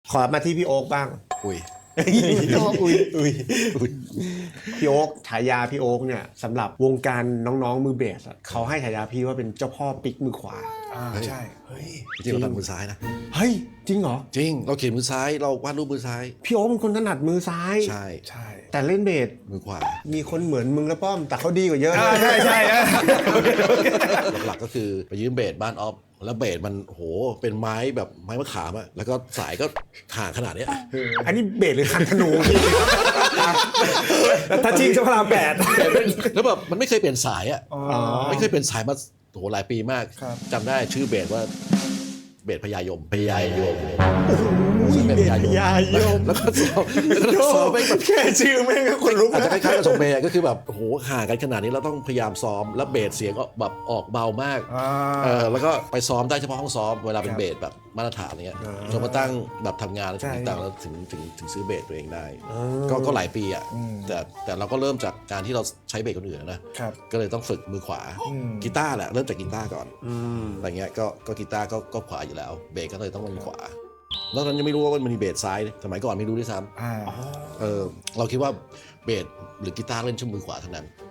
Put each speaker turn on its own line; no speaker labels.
ขอมาที่พี่โอ๊คบ้าง
อุ้ย
อุ้ยพี่โอ๊คฉายาพี่โอ๊คเนี่ยสำหรับวงการน้องๆมือเบสอะเขาให้ฉายาพี่ว่าเป็นเจ้าพ่อปิกมือขวา
ใช่เฮ้ย
จริงเราทำมือซ้ายนะ
เฮ้ยจริงเหรอ
จริงเราเขียนมือซ้ายเราวาดรูปมือซ้าย
พี่โอ๊คเป็นคนถนัดมือซ้าย
ใช่
ใช่
แต่เล่นเบส
มือขวา
มีคนเหมือนมึงและป้อมแต่เขาดีกว่าเยอะ
ใช่ใช่
หลักๆก็คือไปยืมเบสบ้านออฟแล้วเบสมันโหเป็นไม้แบบไม้มะขามอะแล้วก็สายก็ห่างขนาดเนี้ย
อันนี้เบสหรือคันธนู
ถ้าจริงจะพลาแปด
แล้วแบบมันไม่เคยเปลี่ยนสายอะ
อ๋อ
ไม่เคยเปลี่ยนสายมาโหหลายปีมาก
ครับ
จำได้ชื่อเบสว่าเบสพญายมพญายม
เบสพญายม
แล้วก็ซ้อมไปแบบ
แค่ชื่อแม่งก็คนลุก
อาจ
แล้
จะ
ว
คล้ายๆกับสมเบย์ก็คือแบบโหห่างกันขนาดนี้เราต้องพยายามซ้อมแล้วเบสเสียงก็แบบออกเบามาก แล้วก็ไปซ้อมได้เฉพาะห้องซ้อมเวลาเป็นเบสแบบมาตรฐานอะไรเงี้ยจนมาตั้งแบบทำงานแล้วถึงต่างแล้วถึงซื้อเบสตัวเองได้ ก็หลายปีอ่ะแต่เราก็เริ่มจากการที่เราใช้เบสคนอื่นนะครับ ก็เลยต้องฝึกมือขวากีตาร์แหละเริ่มจากกีตาร์ก่อนอะไรเงี้ยก็กีตาร์ก็ขวาอยู่แล้วเบสก็เลยต้องมือขวาแล้วตอนนั้นยังไม่รู้ว่ามันมีเบสซ้ายสมัยก่อนไม่รู้ด้วยซ้ำเราคิดว่าเบสหรือกีตาร์เล่นชั่วมือขวาเท่านั้น